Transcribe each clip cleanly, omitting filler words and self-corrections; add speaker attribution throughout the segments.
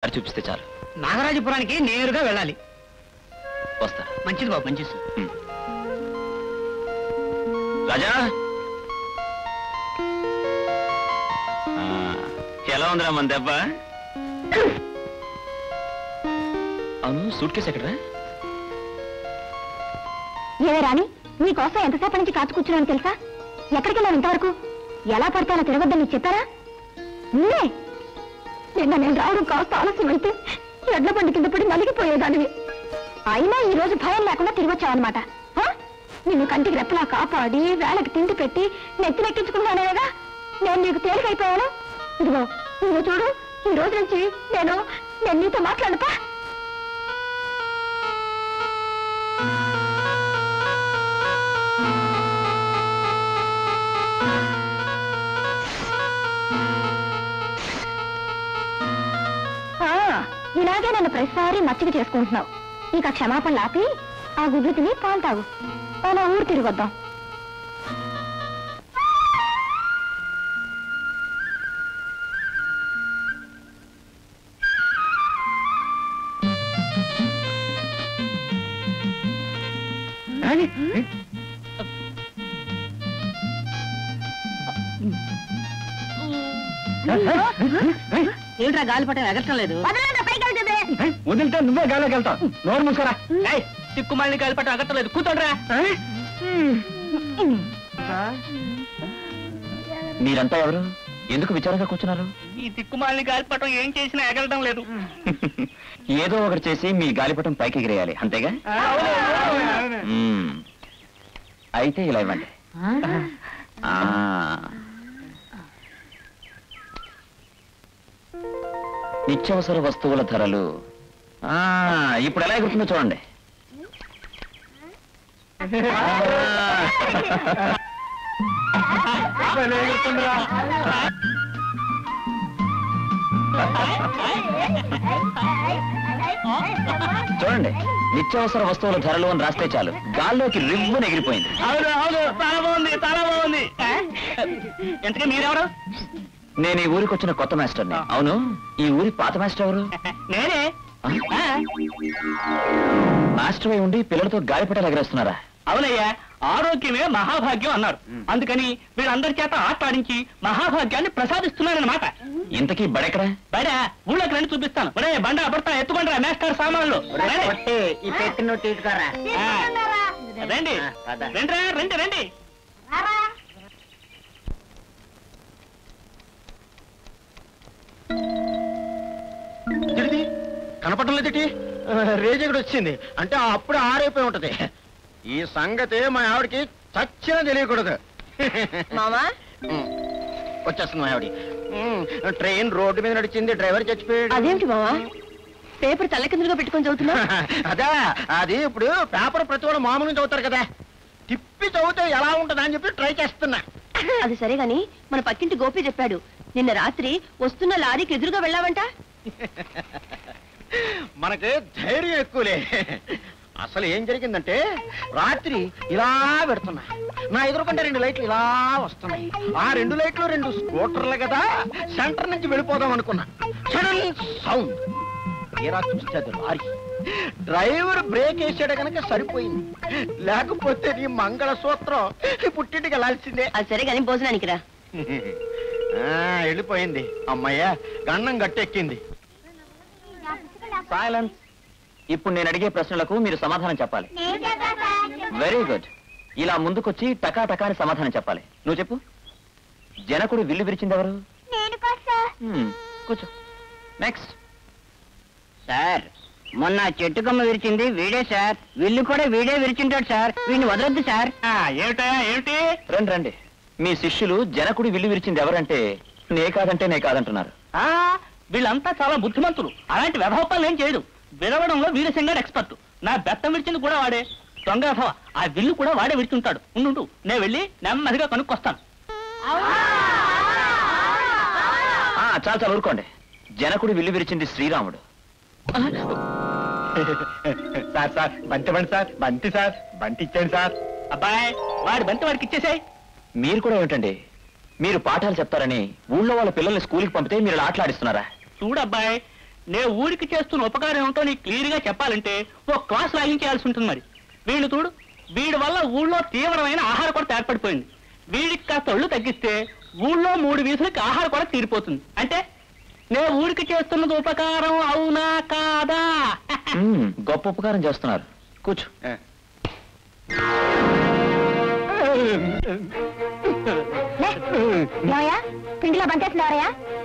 Speaker 1: దారి చూపిస్తే చాలు.
Speaker 2: నాగరాజపురానికి నేరుగా వెళ్ళాలి.
Speaker 1: వస్తా.
Speaker 2: మంచిది బాబు, మంచిది.
Speaker 1: రాజా, ఎలా ఉందిరా మన దెబ్బ? అవును, సూట్ కేసు ఎక్కడరా?
Speaker 3: ఏవే రాణి, నీకోసం ఎంతసేపటి నుంచి కాచు కూర్చున్నాను తెలుసా? ఎక్కడికి వెళ్ళాను ఇంతవరకు? ఎలా పడితే అలా తిరగొద్దని నీకు చెప్పారా? నిన్నే నిన్న నేను రావడం కాస్త ఆలస్యం అయితే ఎడ్ల బండి కింద పడి నలిగిపోయేదానివి. అయినా ఈ రోజు భయం లేకుండా తిరిగి వచ్చావన్నమాట. నిన్ను కంటికి రెప్పలా కాపాడి వేళకి తిండి పెట్టి నెత్తినెక్కించుకున్నానేగా నేను నీకు తేలికైపోయాను. ఇదిగో నువ్వు చూడు, ఈ రోజు నుంచి నేను నీతో మాట్లాడతా. ఇలాగే నన్ను ప్రతిసారి మచ్చిక చేసుకుంటున్నావు. ఇక క్షమాపణలు ఆపి ఆ గుడ్లు తిని పాలు తాగు. అలా ఊరు తిరిగొద్దాం.
Speaker 2: ఏంట్రా గాలిపటం ఎగరటం లేదు?
Speaker 1: వదిలితే నువ్వే గాలికి వెళ్తావు. నోరు మూసుకోరా.
Speaker 2: తిక్కుమాలిని గాలిపటం ఎగరటం లేదు, కూర్చోండిరా.
Speaker 1: మీరంతా ఎవరు? ఎందుకు విచారంగా కూర్చున్నారు?
Speaker 2: ఈ తిక్కుమాలిని గాలిపటం ఏం చేసినా ఎగరడం లేదు.
Speaker 1: ఏదో ఒకటి చేసి మీ గాలిపటం పైకి ఎగిరేయాలి, అంతేగా? అయితే ఇలా ఇవ్వండి. నిత్యావసర వస్తువుల ధరలు ఇప్పుడు ఎలా ఎగురుతుందో చూడండి. చూడండి, నిత్యావసర వస్తువుల ధరలు అని రాస్తే చాలు గాల్లోకి రివ్వున ఎగిరిపోయింది.
Speaker 2: అవును అవును, చాలా బాగుంది, చాలా బాగుంది. ఎంతకీ మీరెవరు?
Speaker 1: నేను ఈ ఊరికి వచ్చిన కొత్త మాస్టర్ని. అవును, ఈ ఊరి పాత మాస్టర్ ఎవరు?
Speaker 2: నేనే.
Speaker 1: మాస్టర్ అయి ఉండి పిల్లలతో గాలిపటాలు ఎగరేస్తున్నారా?
Speaker 2: అవునయ్యా, ఆరోగ్యమే మహాభాగ్యం అన్నారు. అందుకని వీళ్ళందరి చేత ఆటాడించి మహాభాగ్యాన్ని ప్రసాదిస్తున్నారన్నమాట.
Speaker 1: ఇంతకీ బడెక్కడా?
Speaker 2: బడ ఊళ్ళోకి రండి, చూపిస్తాను. బండ అబడతా ఎత్తుకుంటారా మేస్టర్ సామాన్లు. రండి రండి రండి రండి.
Speaker 4: కనపడటం లేదటి? రేజెగడు వచ్చింది అంటే అప్పుడు ఆరైపోయి ఉంటది. ఈ సంగతి మా ఆవిడకి చచ్చినా తెలియకూడదు.
Speaker 3: మామా
Speaker 4: వచ్చేస్తుంది మా ఆవిడ. ట్రైన్ రోడ్డు మీద నడిచింది, డ్రైవర్ చచ్చిపోయాడు.
Speaker 3: అదేమిటి మామా, పేపర్ తల్లకిందులుగా పెట్టుకొని చదువుతున్నా?
Speaker 4: అదే, అది ఇప్పుడు పేపర్ ప్రతి వాడు మామూలు చదువుతారు కదా, తిప్పి చదివితే ఎలా ఉంటుందా అని చెప్పి ట్రై చేస్తున్నా.
Speaker 3: అది సరే గాని మన పక్కింటి గోపి చెప్పాడు నిన్న రాత్రి వస్తున్న లారీకి ఎదురుగా వెళ్ళావంట.
Speaker 4: మనకి ధైర్యం ఎక్కువలే. అసలు ఏం జరిగిందంటే, రాత్రి ఇలా పెడుతున్నా, నా ఎదురుకుంటే 2 లైట్లు ఇలా వస్తున్నాయి. ఆ 2 లైట్లు 2 స్కూటర్లు కదా, సెంటర్ నుంచి వెళ్ళిపోదాం అనుకున్నా. సడన్ సౌండ్, తీరా చూస్తే అది లారీ. డ్రైవర్ బ్రేక్ వేసాడు కనుక సరిపోయింది, లేకపోతే నీ మంగళసూత్రం పుట్టింటికి వెళ్ళాల్సిందే.
Speaker 3: అది సరే గాని భోజనానికి రా.
Speaker 4: వెళ్ళిపోయింది. అమ్మయ్యా, గండం గట్టెక్కింది.
Speaker 1: సైలెన్స్. ఇప్పుడు నేను అడిగే ప్రశ్నలకు మీరు సమాధానం చెప్పాలి. Very good. ఇలా ముందుకొచ్చి టకా టకాని సమాధానం చెప్పాలి. నువ్వు చెప్పు. జనకుడు విల్లు విరిచింది ఎవరు? కూర్చో. నెక్స్ట్.
Speaker 2: సార్, మొన్న చెట్టు కొమ్మ విరిచింది వీడే సార్. విల్లు కూడా వీడే విరిచింటాడు సార్. వీడిని వదలొద్దు సార్. ఏమిటా ఏమిటి?
Speaker 1: రండి రండి. మీ శిష్యులు జనకుడి విల్లు విరిచింది ఎవరంటే నే కాదంటే నే కాదంటున్నారు.
Speaker 2: వీళ్ళంతా చాలా బుద్ధిమంతులు. అలాంటి వ్యవహారాలు ఏం చేయడు. విరవడంలో వీరసింగాడు ఎక్స్పర్ట్. నా బెత్తం విరిచింది కూడా వాడే. దొంగ వ్యవహ. ఆ విల్లు కూడా వాడే విరుచుంటాడు. ఉండు, నేను వెళ్ళి నెమ్మదిగా కనుక్కొస్తాను.
Speaker 1: చాలా చాలా ఊరుకోండి. జనకుడి విల్లు విరిచింది శ్రీరాముడు.
Speaker 4: సార్ సార్ బంతి బండి సార్, బంతి సార్, బంతి ఇచ్చాను సార్.
Speaker 2: అబ్బాయి, వాడి బంతి వాడికి ఇచ్చేసాయి.
Speaker 1: మీరు కూడా ఏమిటండి, మీరు పాఠాలు చెప్తారని ఊళ్ళో వాళ్ళ పిల్లల్ని స్కూల్కి పంపితే మీరు ఆటలాడిస్తున్నారా?
Speaker 2: చూడబ్బాయి, నే ఊరికి చేస్తున్న ఉపకారం ఏమిటో నీకు క్లియర్ గా చెప్పాలంటే ఓ క్లాస్ లాగించేయాల్సి ఉంటుంది. మరి వీళ్ళు చూడు, వీడి వల్ల ఊళ్ళో తీవ్రమైన ఆహార కొరత ఏర్పడిపోయింది. వీడికి కాస్త ఒళ్ళు తగ్గిస్తే ఊళ్ళో 3 వీధులకి ఆహార కొరత తీరిపోతుంది. అంటే నే ఊరికి చేస్తున్నది ఉపకారం అవునా కాదా?
Speaker 1: గొప్ప ఉపకారం చేస్తున్నారు. కూర్చో.
Speaker 3: ఏమయ్యా పిండిలో బంకేస్తున్నారయ్యా?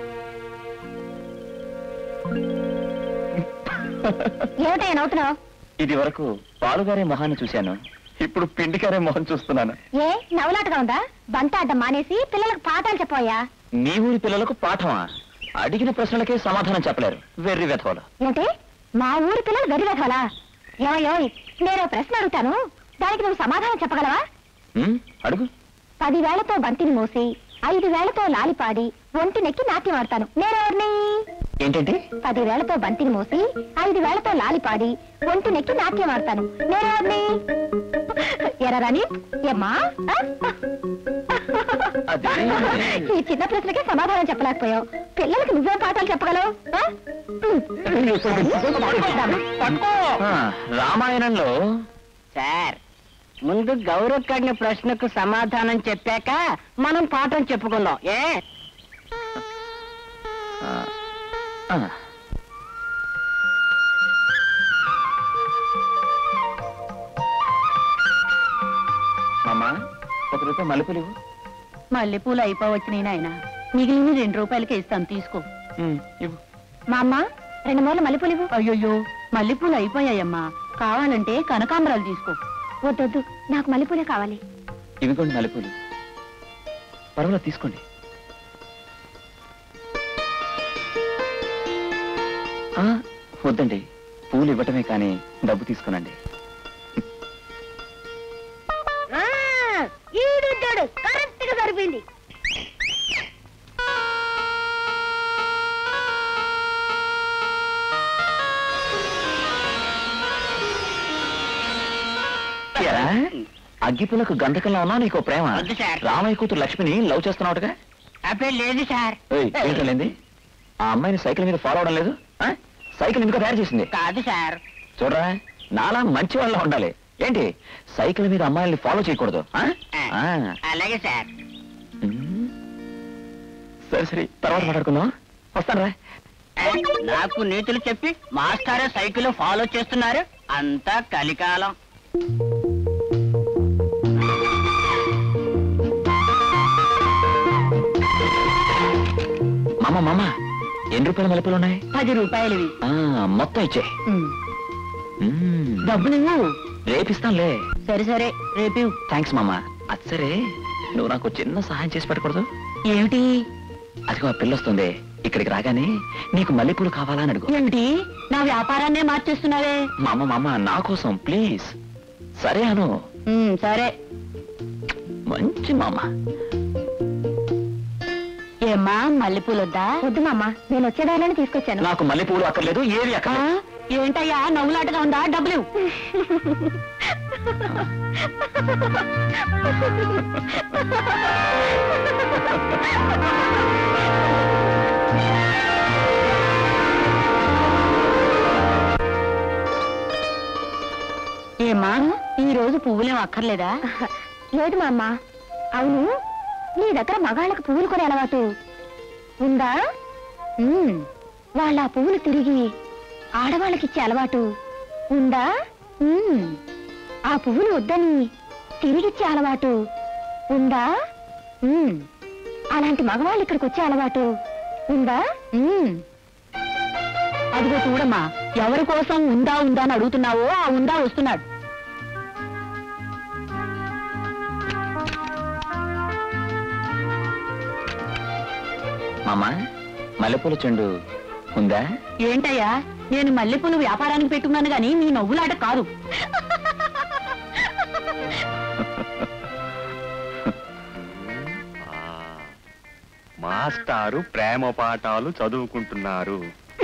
Speaker 3: ఏమిటయ్యా నవ్వుతున్నావు?
Speaker 1: ఇది వరకు పాలుగారే మొహాన్ని చూశాను, ఇప్పుడు పిండికారే మొహం చూస్తున్నాను.
Speaker 3: ఏ నవ్వులాటగా ఉందా? బంత అడ్డం మానేసి పిల్లలకు పాఠాలు చెప్పవయ్యా.
Speaker 1: మీ ఊరి పిల్లలకు పాఠమా? అడిగిన ప్రశ్నలకే సమాధానం చెప్పలేరు, వెర్రి వెధవలు.
Speaker 3: ఏంటి మా ఊరి పిల్లలు గదివేధవలా? ఏమయ్యో నేను ప్రశ్న అడుగుతాను, దానికి నువ్వు సమాధానం చెప్పగలవా?
Speaker 1: అడుగు.
Speaker 3: 10 వేళ్లతో బంతిని మోసి 5 వేళ్లతో లాలిపాడి ఒంటి నెక్కి నాట్యం ఆడతాను, నేనెవరిని?
Speaker 1: ఏంటంటే
Speaker 3: 10 వేళ్లతో బంతిని మోసి 5 వేళ్లతో లాలిపాడి ఒంటి నెక్కి నాట్యం ఆడతాను, నేనెవరిని? ఎరాని ఏమ్మా? ఈ చిన్న ప్రశ్నకే సమాధానం చెప్పలేకపోయావు, పిల్లలకి నువ్వే పాఠాలు చెప్పగలవు?
Speaker 1: రామాయణంలో
Speaker 5: సార్, ముందు గౌరవ్ కడిన ప్రశ్నకు సమాధానం చెప్పాక మనం పాఠం చెప్పుకుందాం. ఏ
Speaker 1: అమ్మా, 1 రూపాయి మల్లెపూలు ఇవ్వు.
Speaker 5: మల్లెపూలు అయిపోవచ్చినాయి నాయన, మిగిలిన 2 రూపాయలకి ఇస్తాను, తీసుకో.
Speaker 1: ఇవ్వు.
Speaker 3: మా అమ్మ 2 మూరలు మల్లెపూలు ఇవ్వు.
Speaker 5: అయ్యో, మల్లెపూలు అయిపోయాయమ్మా, కావాలంటే కనకాంబరాలు తీసుకో.
Speaker 3: వద్దొద్దు, నాకు మల్లెపూలే కావాలి.
Speaker 1: ఇవిగోండి మల్లెపూలు, పర్వాలేదు తీసుకోండి. వద్దండి, పూలు ఇవ్వటమే కానీ డబ్బు తీసుకునండి.
Speaker 3: కరెక్ట్ గా సరిపోయింది.
Speaker 1: అగ్గిపులకు గంధకంలో ఉన్నా నీకు ప్రేమ?
Speaker 5: వద్దు సార్.
Speaker 1: రామయ్య కూతురు లక్ష్మిని లవ్ చేస్తున్నావుగా?
Speaker 5: అబ్బే లేదు సార్.
Speaker 1: ఏంటండి ఆ అమ్మాయిని సైకిల్ మీద ఫాలో అవడం లేదు? సైకిల్ ఎందుకు తయారు చేసింది?
Speaker 5: కాదు సార్.
Speaker 1: చూడరా, నాలా మంచి వాళ్ళ ఉండాలి. ఏంటి సైకిల్ మీద అమ్మాయిల్ని ఫాలో చేయకూడదు?
Speaker 5: అలాగే సార్.
Speaker 1: సరే సరే, తర్వాత మాట్లాడుకుందాం. వస్తాను రా.
Speaker 5: నాకు నీతులు చెప్పి మాస్టారే సైకిల్ ఫాలో చేస్తున్నారు, అంతా కలికాలం.
Speaker 1: మామ ఎన్ని రూపాయల మల్లెపూలు ఉన్నాయి?
Speaker 5: 10 రూపాయలవి.
Speaker 1: మొత్తం ఇచ్చే.
Speaker 5: డబ్బు నువ్వు
Speaker 1: రేపిస్తానులే.
Speaker 5: సరే సరే, రేపు.
Speaker 1: థ్యాంక్స్ మామ. అది సరే, నువ్వు నాకు చిన్న సహాయం చేసి పెట్టకూడదు?
Speaker 5: ఏమిటి?
Speaker 1: అదిగో ఆ పిల్లొస్తుంది, ఇక్కడికి రాగానే నీకు మల్లెపూలు కావాలా అని అడుగు.
Speaker 5: ఏమిటి, నా వ్యాపారాన్నే మార్చేస్తున్నావే?
Speaker 1: మామ నా కోసం ప్లీజ్. సరే అను.
Speaker 5: సరే.
Speaker 1: మంచి మామ.
Speaker 5: ఏమ్మా, మల్లెపూలు వద్దా?
Speaker 3: వద్దు మామ, నేను వచ్చేదారిలోనే తీసుకొచ్చాను.
Speaker 1: నాకు మల్లెపూలు అక్కర్లేదు, ఏవి అక్కర్లేదు.
Speaker 5: ఏంటయ్యా నవ్వులాటగా ఉందా? డబ్బులు. ఏమ్మా, ఈ రోజు పువ్వులేం అక్కర్లేదా?
Speaker 3: లేదు మా అమ్మ. అవును, నీ దగ్గర మగాళ్ళకి పువ్వులు కొనే అలవాటు ఉందా? వాళ్ళ ఆ పువ్వులు తిరిగి ఆడవాళ్ళకిచ్చే అలవాటు ఉందా? ఆ పువ్వులు వద్దని తిరిగిచ్చే అలవాటు ఉందా? అలాంటి మగవాళ్ళు ఇక్కడికి వచ్చే అలవాటు ఉందా?
Speaker 5: అదిగో చూడమ్మా, ఎవరి కోసం ఉందా ఉందా అని అడుగుతున్నావో ఆ ఉందా వస్తున్నాడు.
Speaker 1: మామ, మల్లెపూల చెండు ఉందా?
Speaker 5: ఏంటయ్యా, నేను మల్లెపూలు వ్యాపారానికి పెట్టుకున్నాను గాని మీ నవ్వులాట కాదు.
Speaker 4: మాస్టారు ప్రేమ పాఠాలు చదువుకుంటున్నారు.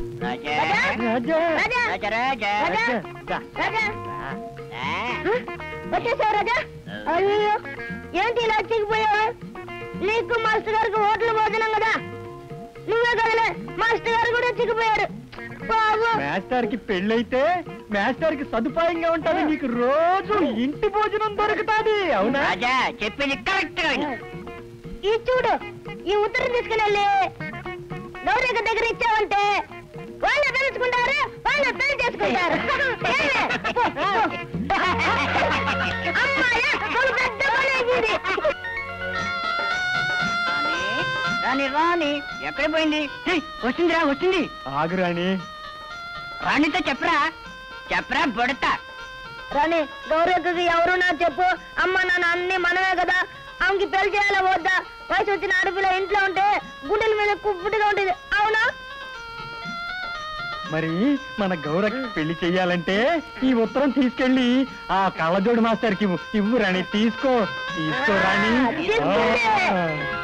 Speaker 3: వచ్చేసావు రాజా? అయ్యో, ఏంటి ఇలా చిక్కిపోయావా? నీకు మాస్టర్ గారికి హోటల్ భోజనం కదా, నువ్వే కదలే, మాస్టర్ గారు కూడా చిక్కిపోయారు.
Speaker 2: మాస్టర్ కి పెళ్ళైతే మాస్టర్ కి సదుపాయంగా ఉంటాది, నీకు రోజు ఇంటి భోజనం దొరుకుతాది. అవునా?
Speaker 5: రాజా చెప్పింది కరెక్ట్ గా విను.
Speaker 3: ఈ చూడు, ఈ ఉత్తరం తీసుకుని వెళ్ళి గౌరవ దగ్గర ఇచ్చావంటే వాళ్ళు తెలుసుకుంటారు, వాళ్ళు పెళ్లి చేసుకుంటారు. అమ్మాయ, వాళ్ళు పెద్ద పని అయింది.
Speaker 5: రాణి రాణి ఎక్కడ పోయింది? వచ్చిందిరా వచ్చింది.
Speaker 2: ఆగు రాణి.
Speaker 5: రాణితో చెప్పరా చెప్పరా బొడతా.
Speaker 3: రాణి, గౌరవకి ఎవరు నాకు చెప్పు. అమ్మ నాన్న అన్ని మనమే కదా, ఆమెకి పెళ్లి చేయాలా వద్దా? వయసు వచ్చిన ఆడపిల్ల ఇంట్లో ఉంటే గుండెల మీద కుప్పుడుగా ఉంటుంది. అవునా?
Speaker 2: మరి మన గౌరకి పెళ్లి చెయ్యాలంటే ఈ ఉత్తరం తీసుకెళ్ళి ఆ కళ్ళజోడు మాస్టర్ కి ఇవ్వు రాణి. తీసుకో తీసుకో రాణి.
Speaker 3: తీసుకుంటే.
Speaker 2: ఆ.